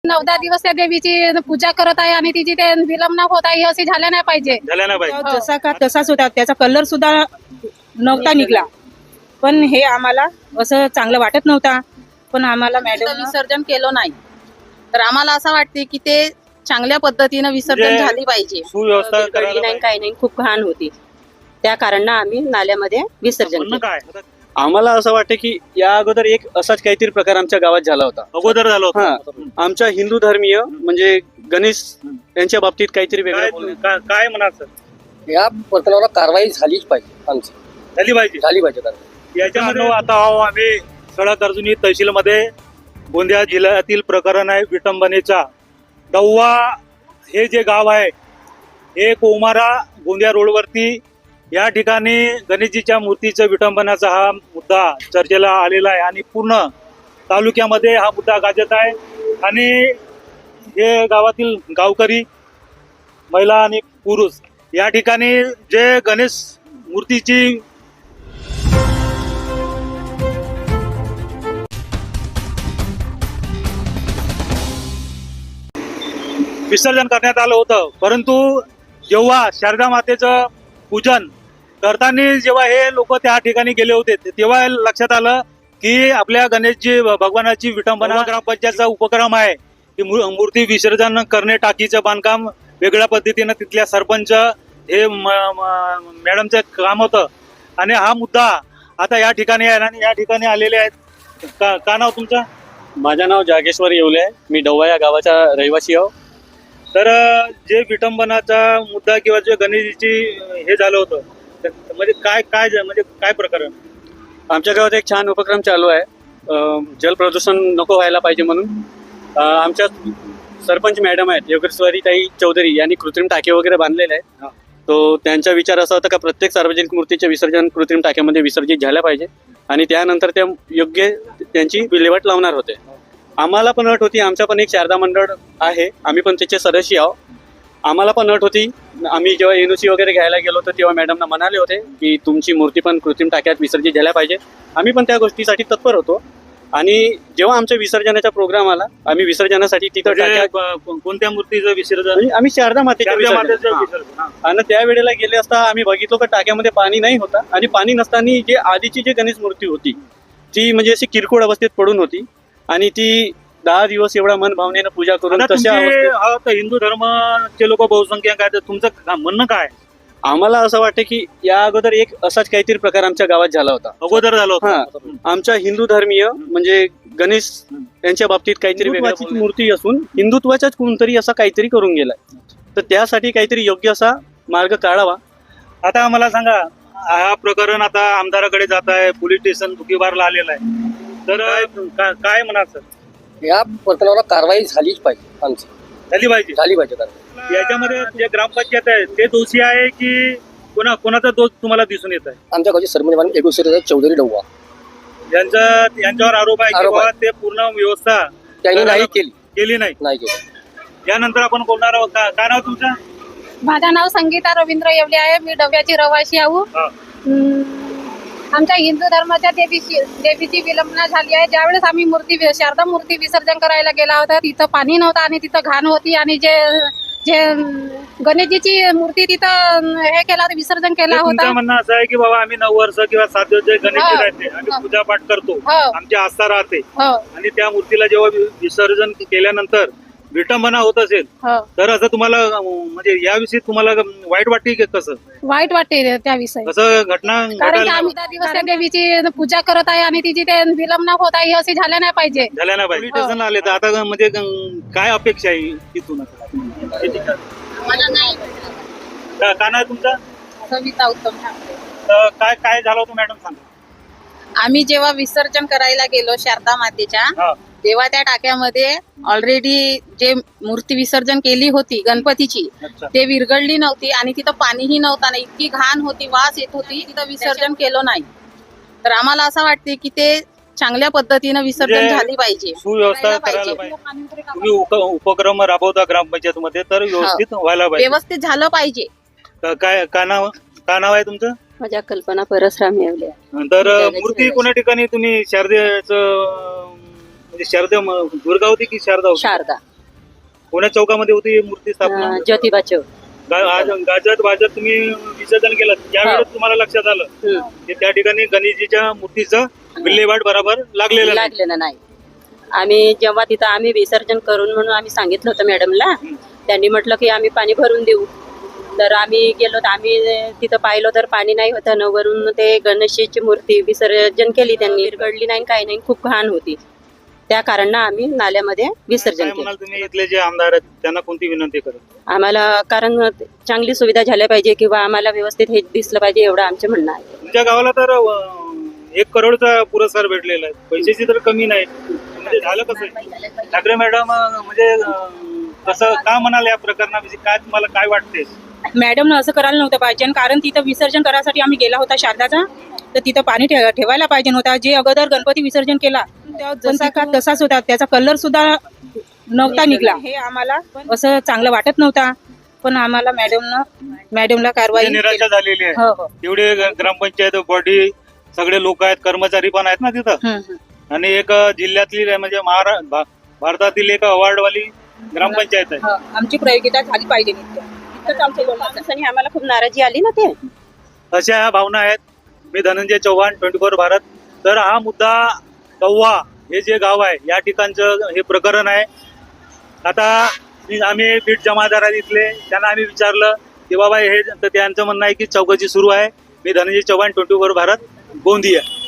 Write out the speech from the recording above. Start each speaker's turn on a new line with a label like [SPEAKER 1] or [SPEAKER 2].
[SPEAKER 1] 9-10 दिवस त्या देवीची पूजा करत आहे आणि तिची ते विलंब होत आहे असे झाले नाही पाहिजे.
[SPEAKER 2] झाल्या नाही पाहिजे.
[SPEAKER 3] जसा का तसाच होता, त्याचा कलर सुद्धा नव्हता निघला. पण हे आम्हाला असं चांगलं वाटत नव्हता. पण आम्हाला मॅडम
[SPEAKER 4] विसर्जन केलं नाही तर आम्हाला असं वाटते की ते चांगल्या पद्धतीने विसर्जन
[SPEAKER 2] म्हणजे
[SPEAKER 4] झाली पाहिजे.
[SPEAKER 2] सुव्यवस्था
[SPEAKER 5] कळली
[SPEAKER 2] करायला
[SPEAKER 5] नाही
[SPEAKER 2] पाहिजे.
[SPEAKER 5] काही नाही, खूप घाण होती. त्या कारणानं आम्ही नाल्यामध्ये विसर्जन
[SPEAKER 2] म्हणणं
[SPEAKER 5] केलं.
[SPEAKER 2] काय
[SPEAKER 6] आम्हाला असं वाटतं की या अगोदर एक असाच काहीतरी प्रकार आमच्या गावात झाला होता.
[SPEAKER 2] अगोदर झालं होतं.
[SPEAKER 6] हा, आमच्या हिंदू धर्मीय म्हणजे गणेश यांच्या बाबतीत काहीतरी वेगळं बोलणं.
[SPEAKER 2] काय म्हणाल सर?
[SPEAKER 7] या प्रकरणाला कारवाई झालीच पाहिजे. आमची
[SPEAKER 2] झाली पाहिजे.
[SPEAKER 7] झाली पाहिजे कारवाई.
[SPEAKER 2] याच्यामध्ये आता आम्ही सडक अर्जुनी तहसीलमध्ये गोंदिया जिल्ह्यातील प्रकरण आहे विटंबनेचा. दौवा हे जे गाव आहे हे कोमारा गोंदिया रोडवरती या ठिकाणी गणेशजीच्या मूर्तीचं विटंबनाचा हा मुद्दा चर्चेला आलेला आहे आणि पूर्ण तालुक्यामध्ये हा मुद्दा गाजत आहे. आणि हे गावातील गावकरी, महिला आणि पुरुष या ठिकाणी जे गणेश मूर्तीची विसर्जन करण्यात आलं होतं, परंतु जेव्हा शारदा मातेचं पूजन करताना जेव्हा हे लोक त्या ठिकाणी गेले होते तेव्हा लक्षात आलं की आपल्या गणेशजी भगवानाची विटंबना ग्रामपंचायतचा उपक्रम आहे की मूर्ती विसर्जन करणे, टाकीचं बांधकाम वेगळ्या पद्धतीनं तिथल्या सरपंच हे मॅडमचं काम होतं. आणि हा मुद्दा आता या ठिकाणी आहे आणि या ठिकाणी आलेले आहेत. का नाव तुमचं?
[SPEAKER 6] माझं नाव जागेश्वर येवले आहे. मी डव्वा या गावाचा रहिवासी आहो.
[SPEAKER 2] तर जे विटंबनाचा मुद्दा किंवा जे गणेशजीची हे झालं होतं म्हणजे काय प्रकरण?
[SPEAKER 6] आमच्या गावात एक छान उपक्रम चालू आहे. जल प्रदूषण नको व्हायला पाहिजे म्हणून आमच्या सरपंच मॅडम आहेत योगेश्वरीताई चौधरी यांनी कृत्रिम टाके वगैरे बांधलेले आहेत. तो त्यांचा विचार असा होता का प्रत्येक सार्वजनिक मूर्तीचे विसर्जन कृत्रिम टाक्यामध्ये विसर्जित झाल्या पाहिजे आणि त्यानंतर त्या योग्य त्यांची विल्हेवाट लावणार होते. आम्हाला पण अट होती, आमचा पण एक शारदा मंडळ आहे, आम्ही पण त्याचे सदस्य आहोत. आम्हाला पण अट होती. आम्ही जेव्हा एनओसी वगैरे घ्यायला गेलो होतो तेव्हा मॅडमना म्हणाले होते की तुमची मूर्ती पण कृत्रिम टाक्यात विसर्जित झाल्या पाहिजे. आम्ही पण त्या गोष्टीसाठी तत्पर होतो. आणि जेव्हा आमच्या विसर्जनाचा प्रोग्राम आला आम्ही विसर्जनासाठी तिथं
[SPEAKER 2] कोणत्या मूर्तीचं विसर्जन?
[SPEAKER 6] म्हणजे आम्ही शारदा मातेच्या विसर्जन. आणि त्यावेळेला गेले असता आम्ही बघितलो की टाक्यामध्ये पाणी नाही होता आणि पाणी नसताना जे आधीची जी गणेश मूर्ती होती ती म्हणजे अशी किरकोळ अवस्थेत पडून होती आणि ती 10 दिवस एवढा मन भावनेनं पूजा करून तशा अवस्थेत.
[SPEAKER 2] हिंदू धर्माचे लोक बहुसंख्याक आहेत, तुमचं म्हणणं काय?
[SPEAKER 6] आम्हाला असं वाटतं की या अगोदर एक असाच काहीतरी प्रकार आमच्या गावात झाला होता.
[SPEAKER 2] अगोदर झालं
[SPEAKER 6] हा,
[SPEAKER 2] होतं.
[SPEAKER 6] आमच्या हिंदू धर्मीय म्हणजे गणेश यांच्या बाबतीत काहीतरी वेगळी मूर्ती असून हिंदुत्वाच्याच कोणतरी असा काहीतरी करून गेलाय. तर त्यासाठी काहीतरी योग्य असा मार्ग काढावा.
[SPEAKER 2] आता मला सांगा, हा प्रकरण आता आमदाराकडे जात आहे, पोलीस स्टेशन दुखीबारला आलेलं आहे, तर काय म्हणाल सर?
[SPEAKER 7] या प्रकरणाला कारवाई झालीच पाहिजे. आमची
[SPEAKER 2] झाली पाहिजे.
[SPEAKER 7] झाली पाहिजे कारवाई.
[SPEAKER 2] याच्यामध्ये जे ग्रामपंचायत आहे ते दोषी आहे की कोणाचा दोष तुम्हाला दिसून येत आहे?
[SPEAKER 7] आमच्या गावचे सरपंच योगेश्वरीताई चौधरी डव्वा
[SPEAKER 2] यांच्यावर आरोप आहे की
[SPEAKER 7] आरोप आहे.
[SPEAKER 2] बाबा ते पूर्ण व्यवस्था
[SPEAKER 7] त्यांनी नाही
[SPEAKER 2] केली नाही.
[SPEAKER 7] केली.
[SPEAKER 2] यानंतर आपण बोलणार आहोत. काय नाव तुमचं?
[SPEAKER 1] माझं नाव संगीता रवींद्र येवले आहे. मी डव्याची रहिवासी आहो.
[SPEAKER 2] हा.
[SPEAKER 1] आमच्या हिंदू धर्माच्या देवीची विलंबना झाली आहे. ज्यावेळेस आम्ही शारदा मूर्ती विसर्जन करायला गेला होता तिथं पाणी नव्हतं आणि तिथं घाण होती आणि जे गणेशजीची मूर्ती तिथं हे केला विसर्जन केला होता.
[SPEAKER 2] तुमचं म्हणणं असं आहे की बाबा आम्ही 9 वर्ष किंवा 7 दिवस जे गणेशजी राहते आम्ही पूजापाठ करतो, आमची आस्था राहते आणि त्या मूर्तीला जेव्हा विसर्जन केल्यानंतर विटंबना होत असेल तर असं तुम्हाला म्हणजे याविषयी तुम्हाला वाईट वाटते की कसं?
[SPEAKER 1] वाईट वाटते त्याविषयी.
[SPEAKER 2] कसं घटना
[SPEAKER 1] कारण की आम्ही 10 दिवस त्या देवीची पूजा करत आहे आणि तिची ते विलंब होत आहे असे झाले नाही पाहिजे.
[SPEAKER 2] झाल्या नाही पाहिजे. पोलीस स्टेशनला आले तर आता म्हणजे काय अपेक्षा आहे तिथून? काय नाही तुमचं?
[SPEAKER 4] सविता उत्तम ठाकरे.
[SPEAKER 2] काय झालं होतं मॅडम सांगा.
[SPEAKER 4] आम्ही जेव्हा विसर्जन करायला गेलो शारदा मातेच्या तेव्हा त्या टाक्यामध्ये ऑलरेडी जे मूर्ती विसर्जन केली होती गणपतीची ते विरघळली नव्हती आणि तिथं पाणीही नव्हता. इतकी घाण होती, वास येत होती, तिथं विसर्जन केलं नाही. तर आम्हाला असं वाटते की ते चांगल्या पद्धतीनं विसर्जन झाली पाहिजे.
[SPEAKER 2] सुव्यवस्था करायला पाहिजे. तुम्ही उपक्रम राबवता ग्रामपंचायतमध्ये तर व्यवस्थित व्हायला पाहिजे.
[SPEAKER 4] व्यवस्थित झालं पाहिजे.
[SPEAKER 2] काय नाव आहे तुमचं?
[SPEAKER 5] माझ्या कल्पना परसराम येवले आहे.
[SPEAKER 2] तर मूर्ती कोण्या ठिकाणी तुम्ही शारदेचं म्हणजे शारदा दुर्गा होती की शारदा होती?
[SPEAKER 5] शारदा.
[SPEAKER 2] कोण्या चौकामध्ये होती ही मूर्ती स्थापना?
[SPEAKER 5] ज्योतिबा चौक.
[SPEAKER 2] गाजत वाजत तुम्ही विसर्जन केलं त्यावेळेस तुम्हाला लक्षात आलं
[SPEAKER 5] हम्म.
[SPEAKER 2] की त्या ठिकाणी गणेशजीच्या मूर्तीचं विल्हेवाट बरोबर लागलेलं नाही.
[SPEAKER 5] लागलेलं नाही. आम्ही जेव्हा तिथं आम्ही विसर्जन करून म्हणून आम्ही सांगितलं होतं मॅडमला. त्यांनी म्हटलं की आम्ही पाणी भरून देऊ. तर आम्ही गेलो तर आम्ही तिथं पाहिलो तर पाणी नाही होतं न वरून ते गणेशची मूर्ती विसर्जन केली त्यांनी. विरघडली नाही काही नाही, खूप घाण होती. त्या कारणानं आम्ही नाल्यामध्ये विसर्जन
[SPEAKER 2] काय
[SPEAKER 5] केलं.
[SPEAKER 2] म्हणाल तुम्ही इथले जे आमदार आहेत त्यांना कोणती विनंती करेल?
[SPEAKER 5] आम्हाला कारण चांगली सुविधा झाल्या पाहिजे किंवा आम्हाला व्यवस्थित हे दिसलं पाहिजे एवढं आमचं म्हणणं आहे.
[SPEAKER 2] तुमच्या गावाला तर 1 करोडचा पुरस्कार भेटलेला आहे, पैशाची तर कमी नाही. म्हणजे झालं कसं? ठाकरे मॅडम म्हणजे कसं का म्हणाल या प्रकरणाविषयी? काय तुम्हाला काय वाटते?
[SPEAKER 3] मॅडमनं असं करायला नव्हतं पाहिजे, कारण तिथं विसर्जन करायसाठी आम्ही गेला होता शारदाचा, तर तिथं पाणी ठेवायला पाहिजे नव्हता. जे अगोदर गणपती विसर्जन केला जसा का तसाच होता, त्याचा कलर सुद्धा नव्हता निघला. हे आम्हाला असं चांगलं वाटत नव्हता, पण आम्हाला मॅडमला कारवाई
[SPEAKER 2] निराशा झालेली आहे.
[SPEAKER 3] हो हो.
[SPEAKER 2] एवढे ग्रामपंचायत बॉडी सगळे लोक आहेत, कर्मचारी पण आहेत ना तिथं.
[SPEAKER 3] हम्म, हम्म.
[SPEAKER 2] आणि एक जिल्ह्यातली म्हणजे भारतातील एक अवॉर्डवाली ग्रामपंचायत आहे.
[SPEAKER 3] हो, आमची प्रयोगिता झाली पाहिजे नित्य. इतकंच आमचं बोलणं आहे.
[SPEAKER 5] माणसाने आम्हाला खूप नाराजी आली ना ते.
[SPEAKER 2] अशा ह्या भावना आहेत. मी धनंजय चव्हाण, 24 भारत. तर हा मुद्दा कव्वा हे जे गाव आहे या ठिकाणचं हे प्रकरण आहे. आता आम्ही बीट जमादार आहेत इथले, त्यांना आम्ही विचारलं की बाबा हे, तर त्यांचं म्हणणं आहे की चौकशी सुरू आहे. मी धनंजय चव्हाण, 24 भारत, गोंदिया.